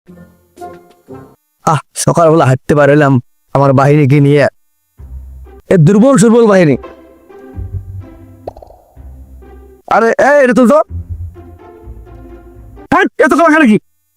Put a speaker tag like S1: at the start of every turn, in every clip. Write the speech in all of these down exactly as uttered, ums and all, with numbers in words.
S1: আহ সকালবেলা হাঁটতে পারলাম আমার বাহিনীকে নিয়ে, এ দুর্বল সুর্বল বাহিনী। আরে এটা তো এত কথা নাকি?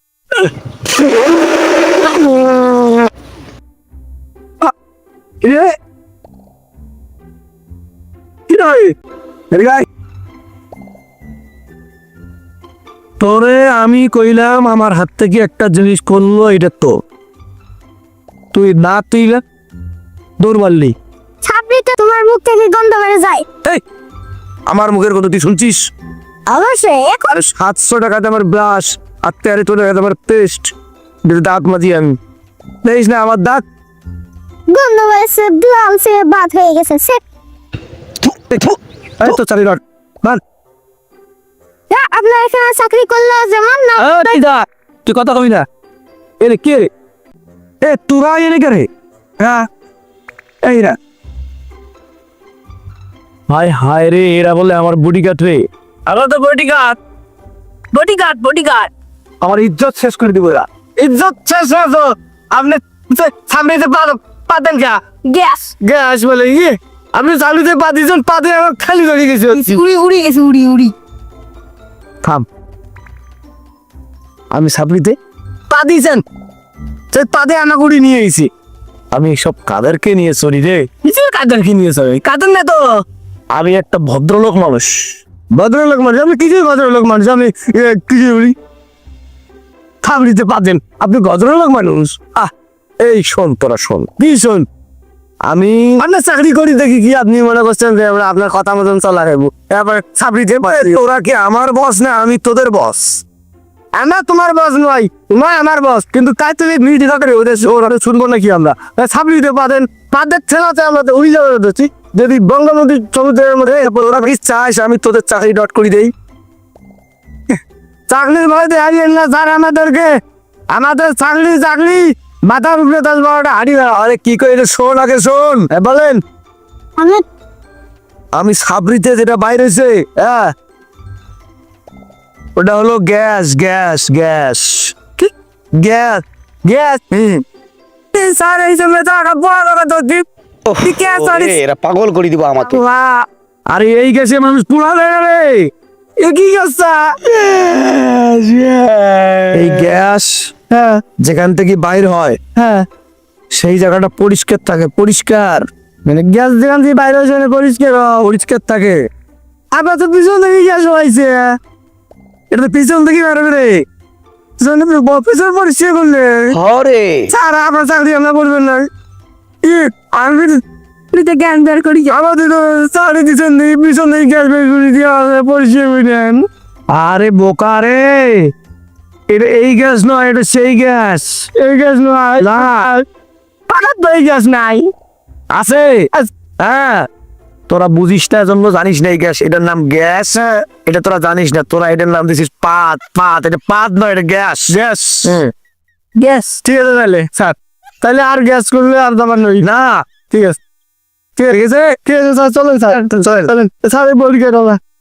S1: তোরে আমি কইলাম আমার হাত থেকে একটা জিনিস করলো, এটা তো তুই না তুই দৌড় মারলি।
S2: ছাপড়িতে তোমার মুখ থেকে গন্ধ বেড়ে যায়।
S1: এই আমার মুখের কথা তুই শুনছিস?
S2: অবশ্যই। এখন
S1: আরে সাতশো টাকাতে আমার ব্রাশ আর তেরো টাকাতে আমার পেস্ট, দাঁত মাজি আমি দেখিস না আমার দাঁত
S2: গন্ধ বেড়েছে, লাল সে বাদ হয়ে গেছে। সে
S1: এই তো চালি রড মান।
S2: আপনার এখানে চাকরি করলে যেমন না।
S1: এই দা তুই কথা কবি না। এ রে কে রে? এ তোরা এনে কে রে? হ্যাঁ এই না হায় হায় রে, এরা বলে আমার বডিগার্ড রে।
S3: আমার তো বডিগার্ড বডিগার্ড বডিগার্ড
S1: আমার ইজ্জত শেষ করে দিব এরা।
S3: ইজ্জত শেষ হয়ে তো আপনি সামনে যে পাতেন কা
S2: গ্যাস
S3: গ্যাস বলে ইয়ে আপনি চালুতে পা দিয়েছেন, পাতে আমার খালি ধরে গেছে,
S2: উড়ি উড়ি গেছে, উড়ি উড়ি।
S1: থাম, আমি সাবলিতে
S3: পা দিয়েছেন সে পাতে আনা করে নিয়ে এসেছি।
S1: আমি সব কাদেরকে নিয়ে চলি রে?
S3: কিসের কাদের কি নিয়ে চলে? কাদের না তো
S1: আমি একটা ভদ্রলোক মানুষ।
S3: ভদ্রলোক মানুষ? আমি কিছু ভদ্রলোক মানুষ, আমি কিছু বলি খাবড়িতে পাতেন, আপনি ভদ্রলোক মানুষ?
S1: আহ এই শোন, তোরা শোন,
S3: কি শোন,
S1: আমি
S3: আপনার চাকরি করি দেখি কি আপনি মনে করছেন যে আমরা আপনার কথা মতন চলা খাবো? এবার চাকরিতে
S1: তোরা কি আমার বস না আমি তোদের বস?
S3: আমরা তোমার বস নয়, নয় আমার বস, কিন্তু তাই তুমি মিটি করে ওদের ওরা শুনবো নাকি? আমরা চাকরিতে পাতেন পাদের ছেলাতে আমরা ওই জায়গায় ধরছি। যদি বঙ্গবন্ধু সমুদ্রের মধ্যে
S1: তোরা কি চাস আমি তোদের চাকরি ডট করে দেই?
S3: চাকরির ভয়তে হারিয়ে না স্যার আমাদেরকে, আমাদের চাকরি চাকরি মাথার উপরে দশ বারোটা হারিয়ে।
S1: আরে কি করে এটা শোন, আগে শোন।
S3: হ্যাঁ বলেন।
S2: আমি
S1: আমি সাবরিতে যেটা বাইরেছে, হ্যাঁ ওটা হলো গ্যাস গ্যাস গ্যাস
S3: কি
S1: গ্যাস।
S3: গ্যাস?
S1: হুম
S3: স্যার এই সময় তো একটা বড় কথা তো দ্বীপ কি গ্যাস?
S1: এরা পাগল করে দিব আমাকে।
S3: আরে এই গ্যাসে মানুষ পুরা দেয় রে, এ কি গ্যাস?
S1: এই গ্যাস
S3: হ্যাঁ
S1: যেখান থেকে বাইর হয়
S3: হ্যাঁ,
S1: সেই জায়গাটা পরিষ্কার থাকে, পরিষ্কার
S3: মানে গ্যাস যেখান থেকে বাইরে হয়েছে পরিষ্কার
S1: পরিষ্কার থাকে।
S3: আবার তো পিছন থেকে গ্যাস হয়েছে,
S1: এটা তো পিছন থেকে বেরোবে রে।
S3: পিছন পরিষ্কার করলে
S1: হরে
S3: স্যার আপনার চাকরি আমরা করবেন না। ই আমি জ্ঞান বের করি আমাদের চাকরি দিচ্ছেন পিছন থেকে গ্যাস বের করে দিয়ে পরিষ্কার করে দেন।
S1: আরে বোকা রে, এটা এই গ্যাস নয়, এটা সেই গ্যাস।
S3: এই গ্যাস নয়,
S1: না
S3: পাকার তো এই গ্যাস নাই।
S1: আছে, হ্যাঁ তোরা বুঝিস না জন্য জানিস না এই গ্যাস, এটার নাম গ্যাস। এটা তোরা জানিস না, তোরা এটার নাম দিছিস পাত। পাত এটা পাত নয়, এটা গ্যাস
S3: গ্যাস
S1: গ্যাস।
S3: ঠিক আছে তাহলে স্যার, তাহলে আর গ্যাস করলে আর দাবার নই
S1: না
S3: ঠিক আছে, ঠিক আছে ঠিক আছে স্যার, চলেন স্যার, চলেন স্যার বলি কেন